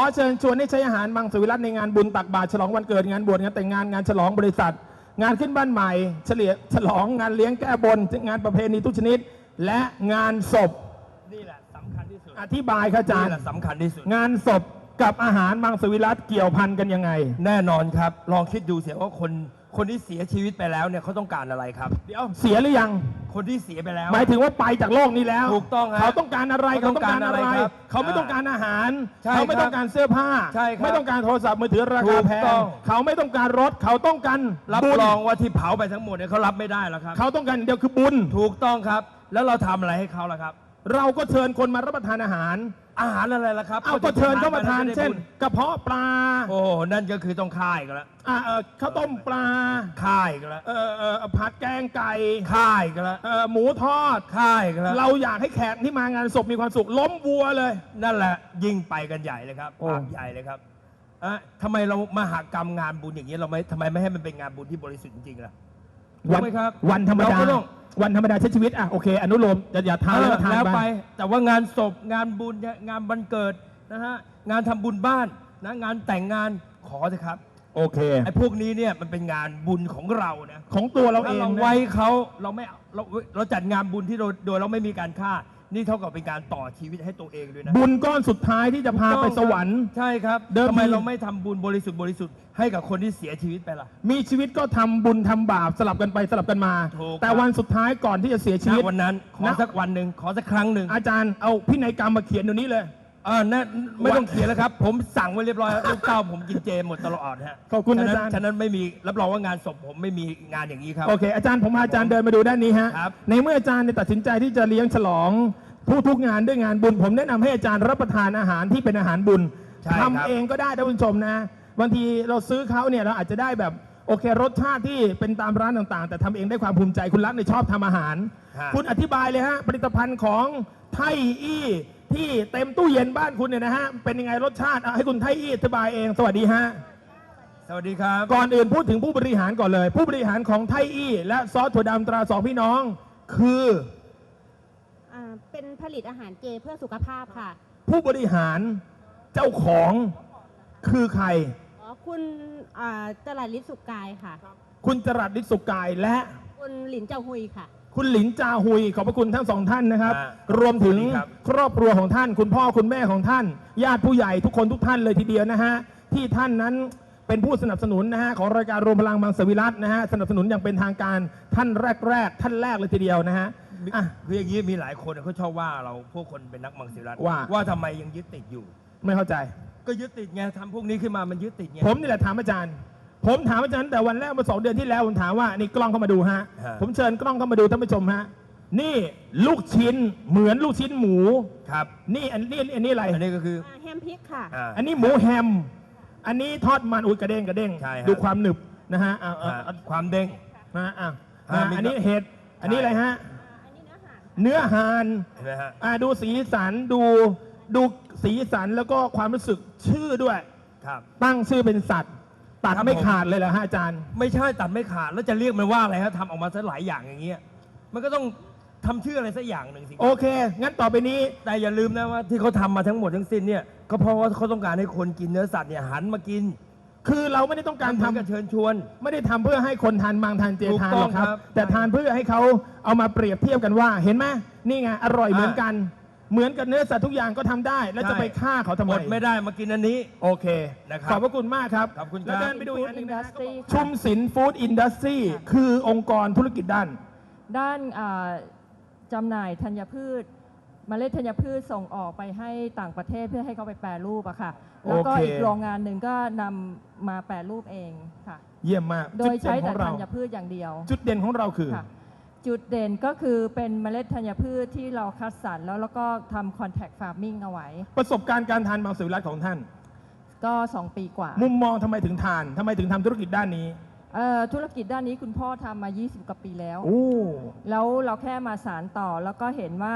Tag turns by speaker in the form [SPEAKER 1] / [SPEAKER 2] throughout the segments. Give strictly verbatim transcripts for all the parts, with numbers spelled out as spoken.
[SPEAKER 1] เชิญชวนให้ใช้อาหารมังสวิรัติในงานบุญตักบาตรฉลองวันเกิดงานบวชงานแต่งงานงานฉลองบริษัทงานขึ้นบ้านใหม่เฉลี่ยฉลองงานเลี้ยงแก้บนงานประเพณีทุกชนิดและงานศพ
[SPEAKER 2] นี่แหละสำคัญที่สุด
[SPEAKER 1] อธิบายครับอาจารย์
[SPEAKER 2] นี่แหละสำคัญที่สุด
[SPEAKER 1] งานศพกับอาหารมังสวิรัติเกี่ยวพันกันยังไง
[SPEAKER 2] แน่นอนครับลองคิดดูเสียว่าคนคนที่เสียชีวิตไปแล้วเนี่ยเขาต้องการอะไรครับ
[SPEAKER 1] เดี๋ยวเสียหรือยัง
[SPEAKER 2] คนที่เสียไปแล้ว
[SPEAKER 1] หมายถึงว่าไปจากโลกนี้แล้ว
[SPEAKER 2] ถูกต้อง
[SPEAKER 1] เขาต้องการอะไรเขาต้องการอะไรเขาไม่ต้องการอาหารเขาไม่ต้องการเสื้อผ้าไม่ต้องการโทรศัพท์มือถือราคาแพงเขาไม่ต้องการรถเขาต้องการ
[SPEAKER 2] รับรองว่าที่เผาไปทั้งหมดเนี่ยเขารับไม่ได้แล้วครับ
[SPEAKER 1] เขาต้องการเดียวคือบุญ
[SPEAKER 2] ถูกต้องครับแล้วเราทำอะไรให้เขาล่ะครับ
[SPEAKER 1] เราก็เชิญคนมารับประทานอาหาร
[SPEAKER 2] อาหารอะไรล่ะครับ
[SPEAKER 1] เอาก็เชิญเข้ามาทานเช่นกระเพาะปลา
[SPEAKER 2] โอ้นั่นก็คือต้องค่ายกันแล้ว
[SPEAKER 1] อ่าเออข้าวต้มปลา
[SPEAKER 2] ค่ายกันแล้ว
[SPEAKER 1] เออเออผัดแกงไก่
[SPEAKER 2] ค่ายกันแล้ว
[SPEAKER 1] เออหมูทอด
[SPEAKER 2] ค่ายกันแล้ว
[SPEAKER 1] เราอยากให้แขกที่มางานศพมีความสุขล้มวัวเลย
[SPEAKER 2] นั่นแหละยิ่งไปกันใหญ่เลยครับภาพใหญ่เลยครับอ่ะทำไมเรามหกรรมงานบุญอย่างนี้เราไม่ทำไมไม่ให้มันเป็นงานบุญที่บริสุทธิ์จริงๆล่ะ
[SPEAKER 1] วันวันธรรมดาวันธรรมดาใช้ชีวิตอ่ะโอเคอนุโลมอย่าอย่าทานแล้วทาน
[SPEAKER 2] ไปแต่ว่างานศพงานบุญงานวันเกิดนะฮะงานทำบุญบ้านนะงานแต่งงานขอเถอะครับ
[SPEAKER 1] โอเค
[SPEAKER 2] ไอ้พวกนี้เนี่ยมันเป็นงานบุญของเรานะ
[SPEAKER 1] ของตัวเราเอง
[SPEAKER 2] เราไว้เขาเราไม่เราเราจัดงานบุญที่โดยเราไม่มีการฆ่านี่เท่ากับเป็นการต่อชีวิตให้ตัวเองด้วยนะ
[SPEAKER 1] บุญก้อนสุดท้ายที่จะพาไปสวรรค์
[SPEAKER 2] ใช่ครับทำไมเราไม่ทำบุญบริสุทธิ์บริสุทธิ์ให้กับคนที่เสียชีวิตไปล่ะ
[SPEAKER 1] มีชีวิตก็ทำบุญทำบาปสลับกันไปสลับกันมาแต่วันสุดท้ายก่อนที่จะเสียชีวิต
[SPEAKER 2] วันนั้นขอสักวันหนึ่งขอสักครั้งหนึ่ง
[SPEAKER 1] อาจารย์เอาพินัยกรรมมาเขียนตรงนี้เลย
[SPEAKER 2] อ่านั่นไม่ต้องเขียนแล้วครับผมสั่งไว้เรียบร้อยลูกเต้าผมกินเจหมดตลอดฮะ
[SPEAKER 1] ขอบคุณอาจารย์
[SPEAKER 2] ฉะนั้นไม่มีรับรองว่างานศพผมไม่มีงานอย่างนี้ครับ
[SPEAKER 1] โอเคอาจารย์ผมพาอาจารย์เดินมาดูด้านนี้ฮะในเมื่ออาจารย์ตัดสินใจที่จะเลี้ยงฉลองผู้ทุกงานด้วยงานบุญผมแนะนำให้อาจารย์รับประทานอาหารที่เป็นอาหารบุญทำเองก็ได้ท่านผู้ชมนะบางทีเราซื้อเขาเนี่ยเราอาจจะได้แบบโอเครสชาติที่เป็นตามร้านต่างๆแต่ทำเองได้ความภูมิใจคุณรักในชอบทำอาหารคุณอธิบายเลยฮะผลิตภัณฑ์ของไทยอี้ที่เต็มตู้เย็นบ้านคุณเนี่ยนะฮะเป็นยังไงรสชาติให้คุณไทยอี้อธิบายเองสวัสดีฮะ
[SPEAKER 2] สวัสดีครับ
[SPEAKER 1] ก่อนอื่นพูดถึงผู้บริหารก่อนเลยผู้บริหารของไทยอี้และซอสถั่วดำตราสองพี่น้องคือ
[SPEAKER 3] เป็นผลิตอาหารเจเพื่อสุขภาพค่ะ
[SPEAKER 1] ผู้บริหารเจ้าของคือใคร
[SPEAKER 3] อ๋อคุณจรัสฤทธิ์สุกกายค่ะ
[SPEAKER 1] คุณจรัสฤทธิ์สุกกายและ
[SPEAKER 3] คุณหลินเจ้าหุยค่ะ
[SPEAKER 1] คุณหลินจาหุยขอบพระคุณทั้งสองท่านนะครับรวมถึงครอบครัวของท่านคุณพ่อคุณแม่ของท่านญาติผู้ใหญ่ทุกคนทุกท่านเลยทีเดียวนะฮะที่ท่านนั้นเป็นผู้สนับสนุนนะฮะของรายการรวมพลังมังสวิรัตินะฮะสนับสนุนอย่างเป็นทางการท่านแรกๆท่านแรกเลยทีเดียวนะฮะ
[SPEAKER 2] อ่ะคืออย่างนี้มีหลายคนเขาชอบว่าเราพวกคนเป็นนักมังสวิรัติ
[SPEAKER 1] ว่า
[SPEAKER 2] ว่าทำไมยังยึดติดอยู่
[SPEAKER 1] ไม่เข้าใจ
[SPEAKER 2] ก็ยึดติดไงทำพวกนี้ขึ้นมามันยึดติดไง
[SPEAKER 1] ผมนี่แหละถามอาจารย์ผมถามอาจารย์แต่วันแรกเมื่อสองเดือนที่แล้วผมถามว่านี่กล้องเข้ามาดูฮะผมเชิญกล้องเข้ามาดูท่านผู้ชมฮะนี่ลูกชิ้นเหมือนลูกชิ้นหมู
[SPEAKER 2] ครับ
[SPEAKER 1] นี่อันนี้อันนี้อะไร
[SPEAKER 2] อันนี้ก็คือ
[SPEAKER 3] แฮมพริกค่ะ
[SPEAKER 1] อันนี้หมูแฮมอันนี้ทอดมันอุ้ยกระเด้งกระเด้งดูความหนึบนะฮะ
[SPEAKER 2] ความเด้ง
[SPEAKER 1] นะอ่ะอันนี้เห็ดอันนี้อะไรฮะเนื้อหานอ่าดูสีสันดูดูสีสันแล้วก็ความรู้สึกชื่อด้วย
[SPEAKER 2] ครับ
[SPEAKER 1] ตั้งชื่อเป็นสัตว์ตัดไม่ขาดเลยเหรอฮะอาจารย์
[SPEAKER 2] ไม่ใช่ตัดไม่ขาดแล้วจะเรียกมันว่าอะไรฮะทำออกมาซะหลายอย่างอย่างเงี้ยมันก็ต้องทำชื่ออะไรสักอย่างหนึ่งสิ
[SPEAKER 1] โอเคงั้นต่อไปนี้
[SPEAKER 2] แต่อย่าลืมนะว่าที่เขาทำมาทั้งหมดทั้งสิ้นเนี่ยก็เพราะว่าเขาต้องการให้คนกินเนื้อสัตว์เนี่ยหันมากิน
[SPEAKER 1] คือเราไม่ได้ต้องการทำ
[SPEAKER 2] กระเชิญชวน
[SPEAKER 1] ไม่ได้ทำเพื่อให้คนทานมังทานเจทานหรอกครับแต่ทานเพื่อให้เขาเอามาเปรียบเทียบกันว่าเห็นไหมนี่ไงอร่อยเหมือนกันเหมือนกับเนื้อสัตว์ทุกอย่างก็ทำได้แล้วจะไปฆ่าเขาทำไม
[SPEAKER 2] อดไม่ได้มากินอันนี้
[SPEAKER 1] โอเคนะครับขอบพระคุณมากครับ
[SPEAKER 2] ขอบคุณครับ
[SPEAKER 1] แล้วเดินไปดูอีกอันนึงนะชุมศิลป์ฟู้ดอินดัสทรีคือองค์กรธุรกิจด้าน
[SPEAKER 4] ด้านจำหน่ายธัญพืชเมล็ดธัญพืชส่งออกไปให้ต่างประเทศเพื่อให้เขาไปแปรรูปอะค่ะแล้วก็อีกโรงงานหนึ่งก็นำมาแปรรูปเองค่ะ
[SPEAKER 1] เยี่ยมมาก
[SPEAKER 4] โดยใช้แต่ธัญพืชอย่างเดียว
[SPEAKER 1] จุดเด่นของเราคือ
[SPEAKER 4] จุดเด่นก็คือเป็นเมล็ดธัญพืชที่เราคัดสรรแล้วแล้วก็ทำคอนแทคฟาร์มมิ่งเอาไว้
[SPEAKER 1] ประสบการณ์การทานมังสวิรัติของท่าน
[SPEAKER 4] ก็สองปีกว่า
[SPEAKER 1] มุมมองทำไมถึงทานทำไมถึงทำธุรกิจด้านนี้
[SPEAKER 4] ธุรกิจด้านนี้คุณพ่อทำมายี่สิบกว่าปีแล้ว
[SPEAKER 1] โอ้
[SPEAKER 4] แล้วเราแค่มาสานต่อแล้วก็เห็นว่า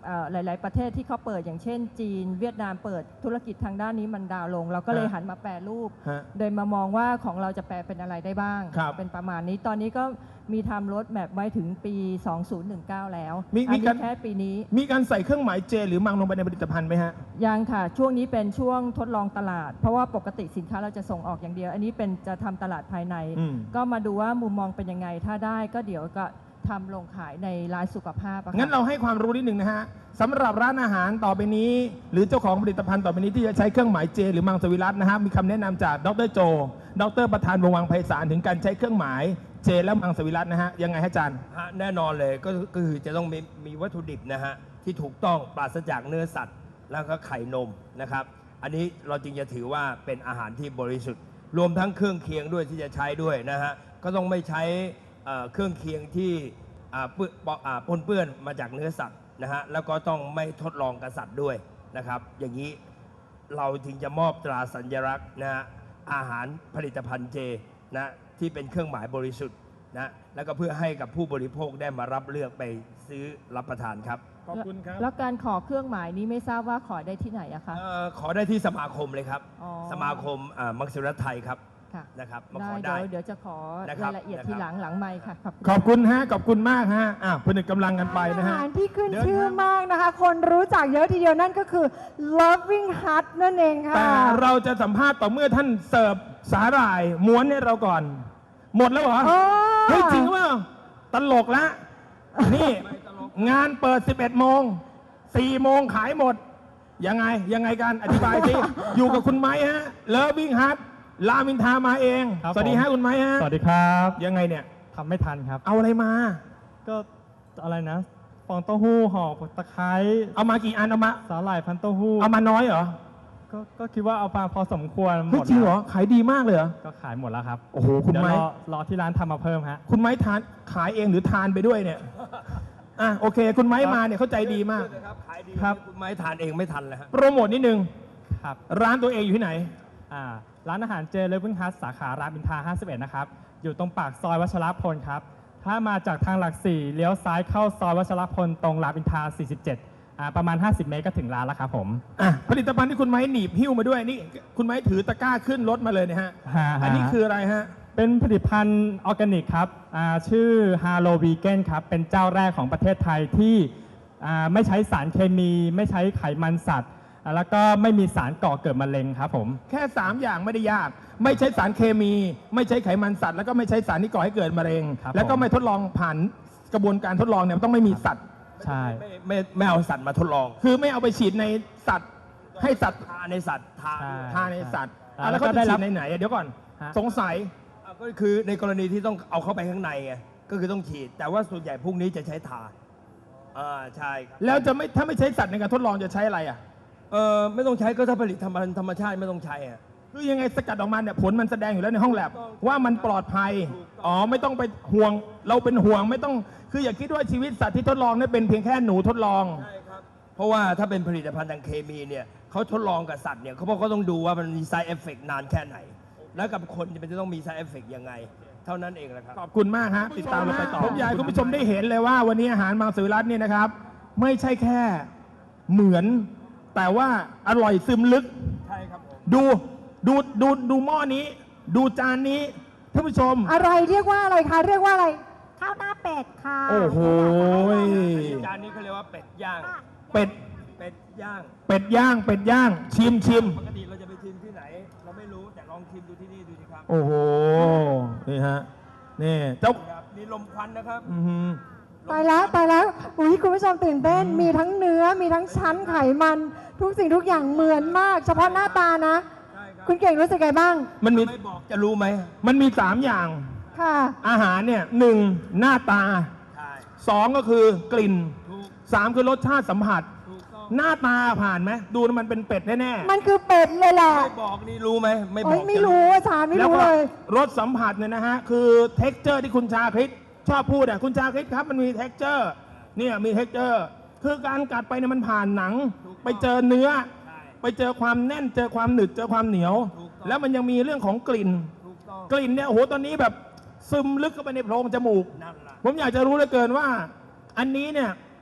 [SPEAKER 4] เอ่อหลาย ๆ ประเทศที่เขาเปิดอย่างเช่นจีนเวียดนามเปิดธุรกิจทางด้านนี้มันดาวน์ลง เราก็เลย
[SPEAKER 1] ฮะ
[SPEAKER 4] หันมาแปรรูป
[SPEAKER 1] ฮะ
[SPEAKER 4] โดยมามองว่าของเราจะแปลเป็นอะไรได้บ้าง
[SPEAKER 1] ครับ
[SPEAKER 4] เป็นประมาณนี้ตอนนี้ก็มีทำรถแมพไว้ถึงปี สองพันสิบเก้า แล้ว
[SPEAKER 1] มี
[SPEAKER 4] อัน
[SPEAKER 1] มี
[SPEAKER 4] นี้
[SPEAKER 1] การ
[SPEAKER 4] แค่ปีนี้
[SPEAKER 1] มีการใส่เครื่องหมายเจหรือมังลงไปในผลิตภัณฑ์ไหมฮะ
[SPEAKER 4] ยังค่ะ ช่วงนี้เป็นช่วงทดลองตลาด เพราะว่าปกติสินค้าเราจะส่งออกอย่างเดียว อันนี้เป็นจะทำตลาดภายใน
[SPEAKER 1] อืม
[SPEAKER 4] ก็มาดูว่ามุมมองเป็นยังไงถ้าได้ก็เดี๋ยวก็ทำลงขายในร้านสุขภาพอะค่ะ
[SPEAKER 1] งั้นเราให้ความรู้นิดหนึ่งนะฮะสำหรับร้านอาหารต่อไปนี้ หรือเจ้าของผลิตภัณฑ์ต่อไปนี้ที่จะใช้เครื่องหมายเจ หรือมังสวิรัตนะฮะมีคำแนะนำจากดรโจ ดรประธานวงศ์วังไพศาลถึงการใช้เครื่องหมายเจ และมังสวิรัตนะฮะยังไงฮะอาจารย์
[SPEAKER 2] ฮะแน่นอนเลยก็ก็คือจะต้องมีมีวัตถุดิบนะฮะที่ถูกต้องปราศจากเนื้อสัตว์ แล้วก็ไข่นมนะครับ อันนี้เราจึงจะถือว่าเป็นอาหารที่บริสุทธิ์ รวมทั้งเครื่องเคียงด้วยที่จะใช้ด้วยนะฮะก็ต้องไม่ใช้เอ่อเครื่องเคียงที่อ่าเปื้อนอ่าปนเปื้อนมาจากเนื้อสัตว์นะฮะแล้วก็ต้องไม่ทดลองกับสัตว์ด้วยนะครับ อย่างนี้เราจึงจะมอบตราสัญลักษณ์นะฮะอาหารผลิตภัณฑ์เจนะที่เป็นเครื่องหมายบริสุทธิ์นะแล้วก็เพื่อให้กับผู้บริโภคได้มารับเลือกไปซื้อรับประทานครับ
[SPEAKER 1] ขอบคุณครับ
[SPEAKER 4] แล้วการขอเครื่องหมายนี้ไม่ทราบว่าขอได้ที่ไหนอะคะ
[SPEAKER 2] เอ่อขอได้ที่สมาคมเลยครับ
[SPEAKER 4] อ๋อ
[SPEAKER 2] สมาคมอ่ามังสวิรัตไทยครับ
[SPEAKER 4] ค่ะ
[SPEAKER 2] นะครับมา
[SPEAKER 4] ได้
[SPEAKER 2] ขอ
[SPEAKER 4] เดี๋
[SPEAKER 2] ได้
[SPEAKER 4] ยวเดี๋ยวจะขอ
[SPEAKER 2] นะครับ
[SPEAKER 4] รายละเอียด
[SPEAKER 2] นะครับ
[SPEAKER 4] ทีหลังหลังไมค์ค่ะ
[SPEAKER 1] ขอบคุณฮะขอบคุณมากฮะอ่ะผนึกกำลังกันไปนะ
[SPEAKER 5] อา
[SPEAKER 1] ฮะ
[SPEAKER 5] หารที่ขึ้น
[SPEAKER 1] เดี๋ยว
[SPEAKER 5] ชื่อ
[SPEAKER 1] นะ
[SPEAKER 5] มากนะคะ คนรู้จักเยอะทีเดียวนั่นก็คือ Loving Heart นั่นเองค่ะ
[SPEAKER 1] แต่เราจะสัมภาษณ์ต่อเมื่อท่านเสิร์ฟสาหร่ายม้วนให้เราก่อน หมดแล้วเหรอ
[SPEAKER 5] อ๋อ
[SPEAKER 1] เฮ้ยจริงว่าตลกละนี่งานเปิด สิบเอ็ดโมงสี่โมงขายหมด ยังไง ยังไงกันอธิบายสิ อยู่กับคุณไม้ฮะเลิฟวิ่งฮัทรามินทามาเอง
[SPEAKER 6] ครับ
[SPEAKER 1] สวัสดีฮะ
[SPEAKER 6] ผม
[SPEAKER 1] คุณไม้ฮะ
[SPEAKER 6] สวัสดีครับ
[SPEAKER 1] ยังไงเนี่ย
[SPEAKER 6] ทำไม่ทันครับ
[SPEAKER 1] เอาอะไรมา
[SPEAKER 6] ก็อะไรนะ ฟองเต้าหู้ห่อตะไคร้
[SPEAKER 1] เอามากี่อันเอามา
[SPEAKER 6] สาหร่ายพันเต้าหู้
[SPEAKER 1] เอามาน้อยเหรอ
[SPEAKER 6] ก็ก็คิดว่าเอามาพอสมควรห
[SPEAKER 1] เฮ้ย
[SPEAKER 6] มด
[SPEAKER 1] จริงเหรอ
[SPEAKER 6] แล้ว
[SPEAKER 1] ขายดีมากเลยเหรอ
[SPEAKER 6] ก็ขายหมดแล้วครับ
[SPEAKER 1] โอ้โหคุณ
[SPEAKER 6] เดี๋ยว
[SPEAKER 1] ไม้
[SPEAKER 6] รอรอที่ร้านทำมาเพิ่มฮะ
[SPEAKER 1] คุณไม้ทานขายเองหรือทานไปด้วยเนี่ยอ่ะโอเค คุณไม้มาเนี่ยเข้าใจดีมาก
[SPEAKER 2] ครับขายดี
[SPEAKER 6] ครับ
[SPEAKER 2] คุณไม้ทานเองไม่ทันเลยฮะ
[SPEAKER 1] โปรโมทนิดนึง
[SPEAKER 6] ครับ
[SPEAKER 1] ร้านตัวเองอยู่ที่ไหน
[SPEAKER 6] อ่าร้านอาหารเจเลเว n ฮัทสาขารามอินทราห้าสิบเอ็ดนะครับ อยู่ตรงปากซอยวัชรพลครับ ถ้ามาจากทางหลักสี่เลี้ยวซ้ายเข้าซอยวัชรพลตรงรามอินทราสี่สิบเจ็ดอ่าประมาณ ห้าสิบ เมตรก็ถึงร้านแล้วครับผม
[SPEAKER 1] อ่ะผลิตภัณฑ์ที่คุณไม้หนีบหิ้วมาด้วยนี่คุณไม้ถือตะกร้าขึ้นรถมาเลยนะฮะ
[SPEAKER 6] ฮะฮะ
[SPEAKER 1] อันนี้คืออะไรฮะ
[SPEAKER 6] เป็นผลิตภัณฑ์ออร์แกนิกครับอ่าชื่อ Halo Vegan ครับ เป็นเจ้าแรกของประเทศไทยที่อ่าไม่ใช้สารเคมี ไม่ใช้ไขมันสัตว์อ่าแล้วก็ไม่มีสารก่อเกิดมะเร็งครับผม
[SPEAKER 1] แค่ สาม อย่างไม่ได้ยาก ไม่ใช้สารเคมี ไม่ใช้ไขมันสัตว์ แล้วก็ไม่ใช้สารที่ก่อให้เกิดมะเร็ง
[SPEAKER 6] ครับ
[SPEAKER 1] แล้วก็
[SPEAKER 6] ผม
[SPEAKER 1] ไม่ทดลองผ่านกระบวนการทดลองเนี่ยมันต้องไม่มีสัตว์
[SPEAKER 6] ใช่
[SPEAKER 2] ไม่ไม่ไม่เอาสัตว์มาทดลอง
[SPEAKER 1] คือไม่เอาไปฉีดในสัตว์ ให้สัตว์
[SPEAKER 2] ทาในสัตว์ทา
[SPEAKER 6] ใช่
[SPEAKER 1] ทานในสัตว์
[SPEAKER 6] อ่า
[SPEAKER 1] อ่ะแล้ว
[SPEAKER 6] แล้วก็
[SPEAKER 1] เขา
[SPEAKER 6] ได้
[SPEAKER 1] จะ
[SPEAKER 6] รั
[SPEAKER 1] ฉี
[SPEAKER 6] บ
[SPEAKER 1] ดในไหนอ่ะเดี๋ยวก่อน
[SPEAKER 6] ฮะ
[SPEAKER 1] สงสัย
[SPEAKER 2] อ่ะก็คือในกรณีที่ต้องเอาเข้าไปข้างในไงก็คือต้องฉีด แต่ว่าส่วนใหญ่พวกนี้จะใช้ทาอ่าใช่ครับ
[SPEAKER 1] แล้วจะไม่ถ้าไม่ใช้สัตว์ในการทดลองจะใช้อะไรอ่ะ
[SPEAKER 2] เออไม่ต้องใช้ก็ถ้าผลิตธรรมธรรมชาติไม่ต้องใช้อ่ะ
[SPEAKER 1] คือยังไงสกัดออกมาเนี่ยผลมันแสดงอยู่แล้วในห้องแลบ
[SPEAKER 2] ถูกต้อง
[SPEAKER 1] ว่ามันปลอดภัย
[SPEAKER 2] ถูกต้อง
[SPEAKER 1] อ๋อไม่ต้องไปห่วง เราเป็นห่วงไม่ต้อง คืออย่าคิดว่าชีวิตสัตว์ที่ทดลองเนี่ยเป็นเพียงแค่หนูทดลอง
[SPEAKER 2] ใช่ครับ เพราะว่าถ้าเป็นผลิตภัณฑ์ทางเคมีเนี่ยเขาทดลองกับสัตว์เนี่ยเขาบอกเขาต้องดูว่ามันมี side effect นานแค่ไหน แล้วกับคนมันจะต้องมี side effect ยังไง เท่านั้นเองแหละครับ
[SPEAKER 1] ขอบคุณมากฮะติดตามเราไปต่อผมอยากให้คุณผู้ชมได้เห็นเลยว่าวันนี้อาหารมังสวิรัตเนี่ยนะครับ ไม่ใช่แค่เหมือน แต่ว่าอร่อยซึมลึก
[SPEAKER 2] ใช่ครับผม
[SPEAKER 1] ดูดูดูดูหม้อนี้ ดูจานนี้ท่านผู้ชม
[SPEAKER 5] อะไรเรียกว่าอะไรคะ เรียกว่าอะไร ข้าวหน้าเป็ดค่ะ
[SPEAKER 1] โอ้โห
[SPEAKER 2] จานนี้เขาเรียกว่าเป็ดย่าง
[SPEAKER 1] เป็ด
[SPEAKER 2] เป็ดย่าง
[SPEAKER 1] เป็ดย่าง เป็ดย่าง ชิมชิม
[SPEAKER 2] ปกติเราจะไปชิมที่ไหน เราไม่รู้แต่ลองชิมดูที่นี่ดูสิครับ
[SPEAKER 1] โอ้โห นี่ฮะ นี่เจ้า
[SPEAKER 2] ครับมีลมควันนะครับ
[SPEAKER 1] อื้อหือ
[SPEAKER 5] ตายแล้วตายแล้วอุ้ยคุณผู้ชมตื่นเต้น มีทั้งเนื้อ มีทั้งชั้นไขมัน ทุกสิ่งทุกอย่างเหมือนมาก เฉพาะหน้าตานะ
[SPEAKER 2] ใช่ครับ
[SPEAKER 5] คุณเก่งรู้สึกไงบ้าง
[SPEAKER 1] มันมี
[SPEAKER 2] ไม่บอกจะรู้ไหม
[SPEAKER 1] มันมีสามอย่าง
[SPEAKER 5] ค่ะ
[SPEAKER 1] อาหารเนี่ยหนึ่งหน้าตา
[SPEAKER 2] ใช่
[SPEAKER 1] สองก็คือกลิ่น
[SPEAKER 2] ถูก
[SPEAKER 1] สามคือรสชาติสัมผัส
[SPEAKER 2] ถูกต้อง
[SPEAKER 1] หน้าตาผ่านไหมดูแล้วมันเป็นเป็ดแน่
[SPEAKER 5] มันคือเป็ดเลยแหละ
[SPEAKER 2] ไม่บอกนี่รู้ไหมไม่บ
[SPEAKER 5] โอ้
[SPEAKER 2] อย ก
[SPEAKER 5] ไม่
[SPEAKER 2] จะ
[SPEAKER 5] รู้อาจารย์
[SPEAKER 1] ๆ
[SPEAKER 5] ไม่
[SPEAKER 1] แล้ว
[SPEAKER 5] รู้
[SPEAKER 1] ก็
[SPEAKER 5] เลย
[SPEAKER 1] รสสัมผัสเนี่ยนะฮะคือเท็กเจอร์ที่คุณชาคริตชอบพูดอ่ะคุณชาคริตครับมันมีเท็กเจอร์เนี่ยมีเท็กเจอร์คือการกัดไปเนี่ยมันผ่านหนัง ไปเจอเนื้อ
[SPEAKER 2] ใช่
[SPEAKER 1] ไปเจอความแน่นเจอความหนึบเจอความเหนียว
[SPEAKER 2] ถูกต้อง
[SPEAKER 1] แล้วมันยังมีเรื่องของกลิ่น
[SPEAKER 2] ถูกต้อง
[SPEAKER 1] กลิ่นเนี่ยโอ้โหตอนนี้แบบซึมลึกเข้าไปในโพรงจมูก
[SPEAKER 2] นั่นล่ะ
[SPEAKER 1] ผมอยากจะรู้เหลือเกินว่า อันนี้เนี่ย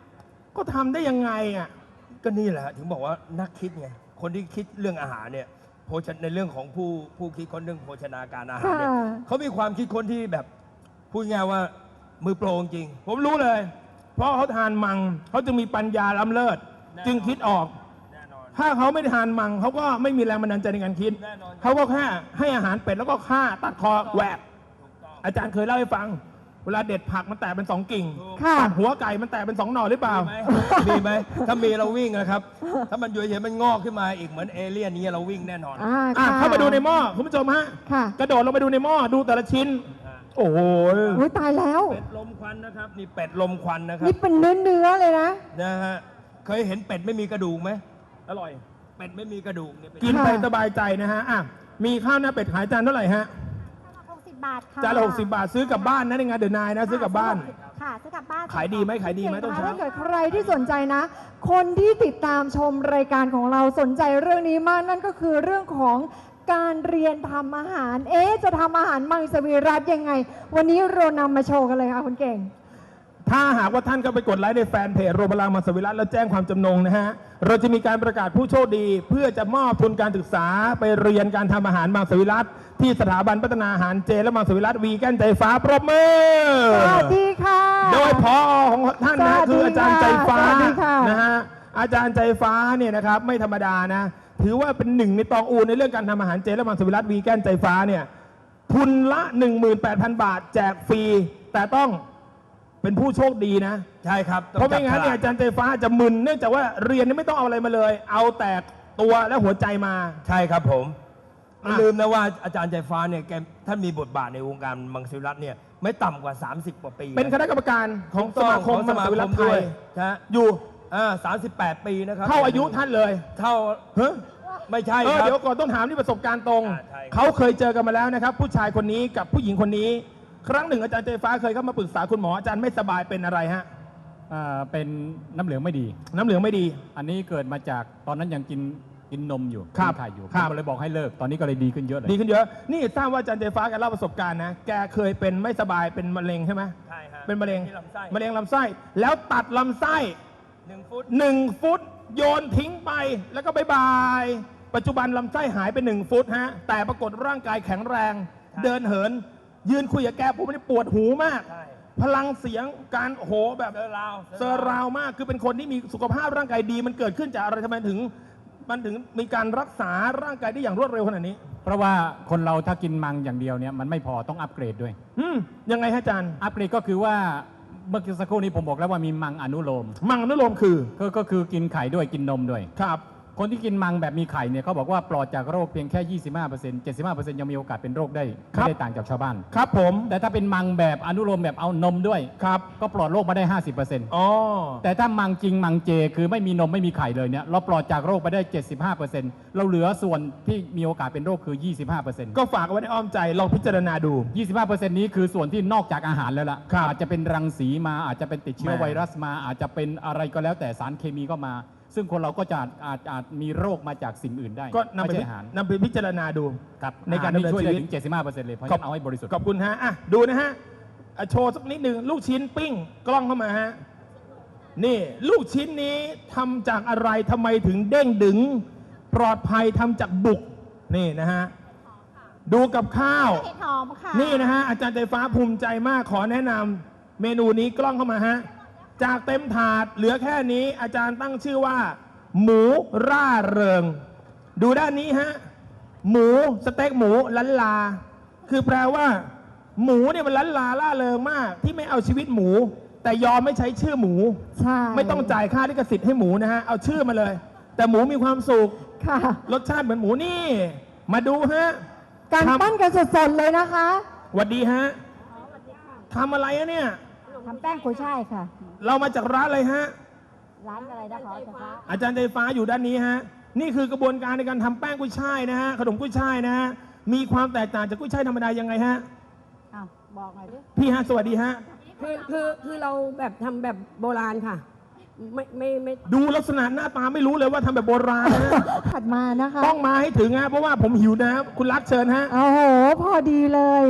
[SPEAKER 1] ก็ทำได้ยังไงอ่ะ
[SPEAKER 2] ก็นี่แหละฮะถึงบอกว่านักคิดไงคนที่คิดเรื่องอาหารเนี่ยโภชในเรื่องของผู้ผู้คิดค้นเรื่องโภชนาการอาหารเนี่ย
[SPEAKER 5] ค่ะ
[SPEAKER 2] เขามีความคิดค้นที่แบบพูดง่ายๆว่ามือโปรจริง
[SPEAKER 1] ผมรู้เลย เพราะเขาทานมังเขาจึงมีปัญญาล้ำเลิศ
[SPEAKER 2] แน่นอน
[SPEAKER 1] จึงคิดออก
[SPEAKER 2] แน่นอน
[SPEAKER 1] ถ้าเขาไม่ได้ทานมังเขาก็ไม่มีแรงบันดาลใจในการคิด
[SPEAKER 2] แน่นอน
[SPEAKER 1] เขาก็แค่ให้อาหารเป็ดแล้วก็ฆ่าตัดคอแหวก
[SPEAKER 2] ถูกต้อง
[SPEAKER 1] อาจารย์เคยเล่าให้ฟัง เวลาเด็ดผักมันแตกเป็นสองกิ่ง
[SPEAKER 2] ถูก
[SPEAKER 5] ค่ะ
[SPEAKER 1] ตัดหัวไก่มันแตกเป็นสองหน่อหรือเปล่า
[SPEAKER 2] มีไหมมีไหมถ้ามีเราวิ่งนะครับ ถ้ามันอยู่เฉยๆมันงอกขึ้นมาอีกเหมือนเอเลี่ยนนี้เราวิ่งแน่นอน
[SPEAKER 5] อ่า
[SPEAKER 1] อ่ะ
[SPEAKER 5] ค่ะ
[SPEAKER 1] เข้ามาดูในหม้อคุณผู้ชมฮะ
[SPEAKER 5] ค่ะ
[SPEAKER 1] กระโดดลงไปดูในหม้อดูแต่ละชิ้น
[SPEAKER 2] อ่า
[SPEAKER 1] โอ้โห
[SPEAKER 5] อุ้ยตายแล้ว
[SPEAKER 2] เป็ดลมควันนะครับนี่เป็ดลมควันนะครับ
[SPEAKER 5] นี่เป็นเนื้อเนื้อๆเลยนะ
[SPEAKER 2] นะฮะเคยเห็นเป็ดไม่มีกระดูกไหม
[SPEAKER 1] อร่อย
[SPEAKER 2] เป็ดไม่มีกระดูกเนี่ยเป็ด
[SPEAKER 1] กินไป
[SPEAKER 5] ค่ะ
[SPEAKER 1] สบายใจนะฮะอ่ะมีข้าวหน้าเป็ดขายจานเท่าไหร่ฮะ
[SPEAKER 3] หกสิบบาทค่ะ
[SPEAKER 1] จานละหกสิบบาทซื้อกลับบ้านนะในงานเดอะนายนะซื้อกลับบ้าน
[SPEAKER 3] ค่ะซื้อกลับบ้าน
[SPEAKER 1] ขายดีไหมขายดีไหมต้น
[SPEAKER 5] ถ้า
[SPEAKER 1] เช้า
[SPEAKER 5] เกิดใครที่สนใจนะ คนที่ติดตามชมรายการของเราสนใจเรื่องนี้มากนั่นก็คือเรื่องของการเรียนทำอาหาร เอ๊ะจะทำอาหารมังสวิรัติยังไง วันนี้เรานำมาโชว์กันเลยค่ะคุณเก่ง
[SPEAKER 1] ถ้าหากว่าท่านก็ไปกดไลค์ในแฟนเพจโรงพยาบาลมังสวิรัติแล้วแจ้งความจำนงนะฮะ เราจะมีการประกาศผู้โชคดี เพื่อจะมอบทุนการศึกษาไปเรียนการทำอาหารมังสวิรัติที่สถาบันพัฒนาอาหารเจและมังสวิรัติวีแกนใจฟ้าปรบมือ
[SPEAKER 5] สวัสดีค่ะ
[SPEAKER 1] โดยพอของท่านนะ
[SPEAKER 5] สวัสดี
[SPEAKER 1] คืออาจารย์ใจฟ้า
[SPEAKER 5] สวัสดีค่ะ
[SPEAKER 1] นะฮะอาจารย์ใจฟ้าเนี่ยนะครับไม่ธรรมดานะ ถือว่าเป็นหนึ่งในตองอูในเรื่องการทำอาหารเจและมังสวิรัติวีแกนใจฟ้าเนี่ยทุนละ หนึ่งหมื่นแปดพัน บาทแจกฟรีแต่ต้องเป็นผู้โชคดีนะ
[SPEAKER 2] ใช่ครับต้อ
[SPEAKER 1] เพราะไม่งั้น
[SPEAKER 2] จับฉลก
[SPEAKER 1] เนี่ยอาจารย์ใจฟ้าจะมึนเนื่องจากว่าเรียนนี่ไม่ต้องเอาอะไรมาเลย เอาแต่ตัวและหัวใจมา
[SPEAKER 2] ใช่ครับผม
[SPEAKER 1] อ่ะ
[SPEAKER 2] ลืมนะว่าอาจารย์ใจฟ้าเนี่ยแกท่านมีบทบาทในวงการมังสวิรัติเนี่ยไม่ต่ำกว่า สามสิบ กว่าปี
[SPEAKER 1] เป็นคณะกรรมการของสมาคม
[SPEAKER 2] ของส
[SPEAKER 1] มัง
[SPEAKER 2] มา
[SPEAKER 1] ส
[SPEAKER 2] ค
[SPEAKER 1] วิรั
[SPEAKER 2] ม
[SPEAKER 1] ติไท
[SPEAKER 2] ด้วย
[SPEAKER 1] ย
[SPEAKER 2] นะฮะ
[SPEAKER 1] อยู่
[SPEAKER 2] อ่าสามสิบแปด ปีนะครับ
[SPEAKER 1] เท่าอายุท่านเลย
[SPEAKER 2] เท่า
[SPEAKER 1] เฮ้ย
[SPEAKER 2] ไม่ใช่
[SPEAKER 1] เออ
[SPEAKER 2] ครับ
[SPEAKER 1] เดี๋ยวก่อนต้องถามที่ประสบการณ์ตรง
[SPEAKER 2] อ่าใช่ครับ
[SPEAKER 1] เขาเคยเจอกันมาแล้วนะครับ ผู้ชายคนนี้กับผู้หญิงคนนี้ ครั้งหนึ่งอาจารย์ใจฟ้าเคยเข้ามาปรึกษาคุณหมออาจารย์ไม่สบายเป็นอะไรฮะ
[SPEAKER 6] อ่าเป็นน้ำเหลืองไม่ดี
[SPEAKER 1] น้ำเหลืองไม่ดี
[SPEAKER 6] อันนี้เกิดมาจากตอนนั้นยังกินกินนมอยู่
[SPEAKER 1] ครับ
[SPEAKER 6] กินไข่อยู่
[SPEAKER 1] ครับ
[SPEAKER 6] ผมเลยบอกให้เลิก ตอนนี้ก็เลยดีขึ้นเยอะเลย
[SPEAKER 1] ดีขึ้นเยอะ นี่ทราบว่าอาจารย์ใจฟ้าแกเล่าประสบการณ์นะ แกเคยเป็นไม่สบายเป็นมะเร็งใช่ไหม
[SPEAKER 2] ใช่ฮะ
[SPEAKER 1] เป็นมะเร็ง
[SPEAKER 2] ที่ลำไส้
[SPEAKER 1] มะเร็งลำไส้ แล้วตัดลำไส้
[SPEAKER 2] หนึ่งฟุต
[SPEAKER 1] หนึ่งฟุตโยนทิ้งไปแล้วก็บายบาย ปัจจุบันลำไส้หายไปหนึ่งฟุตฮะ แต่ปรากฏร่างกายแข็งแรง เดินเหิน ยืนคุยกับแกผมไม่ได้ปวดหูมาก
[SPEAKER 2] ใช่
[SPEAKER 1] พลังเสียงการโหแบบ
[SPEAKER 2] เซอร์ราว
[SPEAKER 1] เซอร์ราวมาก คือเป็นคนที่มีสุขภาพร่างกายดี มันเกิดขึ้นจากอะไรทำไมถึง มันถึงมีการรักษาร่างกายได้อย่างรวดเร็วขนาดนี้
[SPEAKER 6] เพราะว่าคนเราถ้ากินมังอย่างเดียวเนี่ยมันไม่พอต้องอัปเกรดด้วย
[SPEAKER 1] อืมยังไงฮะอาจารย์
[SPEAKER 6] อัปเกรดก็คือว่าเมื่อกี้สักครู่นี้ผมบอกแล้วว่ามีมังอนุโลม
[SPEAKER 1] มังอนุโลมคือ
[SPEAKER 6] ก็ก็คือกินไข่ด้วยกินนมด้วย
[SPEAKER 1] ครับ
[SPEAKER 6] คนที่กินมังแบบมีไข่เนี่ยเขาบอกว่าปลอดจากโรคเพียงแค่ ยี่สิบห้าเปอร์เซ็นต์ เจ็ดสิบห้าเปอร์เซ็นต์ยังมีโอกาสเป็นโรคได้
[SPEAKER 1] ครั
[SPEAKER 6] ไม่
[SPEAKER 1] บ
[SPEAKER 6] ได้ต่างจากชาวบ้าน
[SPEAKER 1] ครับผม
[SPEAKER 6] แต่ถ้าเป็นมังแบบอนุโลมแบบเอานมด้วย
[SPEAKER 1] ครับ
[SPEAKER 6] ก็ปลอดโรคมาได้ ห้าสิบเปอร์เซ็นต์
[SPEAKER 1] อ๋อ
[SPEAKER 6] แต่ถ้ามังจริงมังเจคือไม่มีนมไม่มีไข่เลยเนี่ยเราปลอดจากโรคไปได้ เจ็ดสิบห้าเปอร์เซ็นต์ เราเหลือส่วนที่มีโอกาสเป็นโรคคือ ยี่สิบห้าเปอร์เซ็นต์
[SPEAKER 1] ก็ฝากเอาไว้ในอ้อมใจลองพิจารณาดู
[SPEAKER 6] ยี่สิบห้าเปอร์เซ็นต์นี้คือส่วนที่นอกจากอาหารแล้วล่ะ
[SPEAKER 1] ครับ
[SPEAKER 6] อาจจะเป็นรังสีมาอาจจะเป็นติดเชื้อ
[SPEAKER 1] แหม่
[SPEAKER 6] ไวรัสมา อาจจะเป็นอะไรก็แล้วแต่สารเคมีก็มา ซึ่งคนเราก็จะอาจอาจอาจมีโรคมาจากสิ่งอื่นได้
[SPEAKER 1] ก็นำ
[SPEAKER 6] ไม่
[SPEAKER 1] ไป
[SPEAKER 6] ใช่อาหาร
[SPEAKER 1] นำไปพิจารณาดู
[SPEAKER 6] ครับ
[SPEAKER 1] ในการดำเนิน
[SPEAKER 6] ช่วย
[SPEAKER 1] ชี
[SPEAKER 6] ได้
[SPEAKER 1] วิต
[SPEAKER 6] ถึง เจ็ดสิบห้าเปอร์เซ็นต์เลยเพราะฉะนั้นเอาให้บริสุทธิ์
[SPEAKER 1] ขอบคุณฮะอ่ะดูนะฮะอ่ะโชว์สักนิดหนึ่งลูกชิ้นปิ้งกล้องเข้ามาฮะ นี่ลูกชิ้นนี้ทำจากอะไรทำไมถึงเด้งดึง ปลอดภัยทำจากบุก นี่นะฮะ ดูกับข้าว
[SPEAKER 3] เห็ดหอมค่ะ
[SPEAKER 1] นี่นะฮะอาจารย์ใจฟ้าภูมิใจมากขอแนะนำเมนูนี้กล้องเข้ามาฮะ จากเต็มถาดเหลือแค่นี้อาจารย์ตั้งชื่อว่า หมูร่าเริง ดูด้านนี้ฮะ หมูสเต็กหมูลันลา คือแปลว่า หมูเนี่ยมันลันลาล่าเริงมาก ที่ไม่เอาชีวิตหมู แต่ยอมไม่ใช้ชื่อหมู
[SPEAKER 5] ใช่
[SPEAKER 1] ไม่ต้องจ่ายค่าลิขสิทธิ์ให้หมูนะฮะเอาชื่อมาเลย แต่หมูมีความสุข
[SPEAKER 5] ค่ะ
[SPEAKER 1] รสชาติเหมือนหมูนี่ มาดูฮะ
[SPEAKER 5] การ
[SPEAKER 1] ทำ
[SPEAKER 5] ปั้นกันสดๆเลยนะคะ
[SPEAKER 1] หวัดดีฮะทำอะไรอะเนี่ย
[SPEAKER 3] ทำแป้งกุยช่ายค่ะ
[SPEAKER 1] เรามาจากร้านอะไรฮะ
[SPEAKER 3] ร้านอะไรนะคะเจ้าคะ
[SPEAKER 1] อาจารย์ใจฟ้าอยู่ด้านนี้ฮะ นี่คือกระบวนการในการทำแป้งกุ้ยช่ายนะฮะ ขนมกุ้ยช่ายนะฮะ มีความแตกต่างจากกุ้ยช่ายธรรมดายังไงฮะ
[SPEAKER 3] อ้าวบอกหน่อยดิ
[SPEAKER 1] พี่ฮะ สวัสดีฮะ
[SPEAKER 7] คือคือคือเราแบบทำแบบโบราณค่ะ ไม่ไม่ไม่
[SPEAKER 1] ดูลักษณะหน้าตาไม่รู้เลยว่าทำแบบโบราณนะฮะ
[SPEAKER 5] ถัดมานะคะ
[SPEAKER 1] ต้องมาให้ถึงฮะ เพราะว่าผมหิวนะ คุณรักเชิญฮะ
[SPEAKER 5] โอ้โห พอดีเลย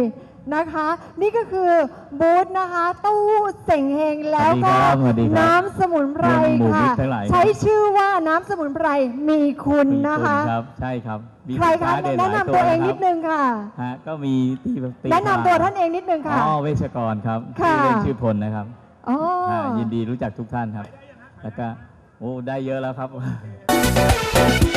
[SPEAKER 5] นะคะ นี่ก็คือบูธนะคะตู้เส่งเฮงแล้วก็
[SPEAKER 8] สวัสดีครับ
[SPEAKER 5] น้ำสมุนไพร
[SPEAKER 8] หมู่มิ
[SPEAKER 5] ค่ะ
[SPEAKER 8] ตรทั้งหลายครับ
[SPEAKER 5] ใช้ชื่อว่าน้ำสมุนไพรมีคุณ
[SPEAKER 8] มี
[SPEAKER 5] นะ
[SPEAKER 8] ณ
[SPEAKER 5] คะ
[SPEAKER 8] รับใช่ครับมี
[SPEAKER 5] ใคร
[SPEAKER 8] สิน
[SPEAKER 5] คะ
[SPEAKER 8] ค้าเด่นห
[SPEAKER 5] แนะ
[SPEAKER 8] ลาย
[SPEAKER 5] นำตัวเอง
[SPEAKER 8] ะครับ
[SPEAKER 5] นิดนึงค่ะ
[SPEAKER 8] ฮะก็มีที่ตี
[SPEAKER 5] แนะนำตัวท่านเองนิดนึงค่ะ
[SPEAKER 8] อ๋อเวชกรครับ
[SPEAKER 5] ค่ะ
[SPEAKER 8] ชื่อเล่นชื่อพลนะครับ
[SPEAKER 5] อ๋อ
[SPEAKER 8] ฮะยินดีรู้จักทุกท่านครับ แล้วก็โอ้ได้เยอะแล้วครับ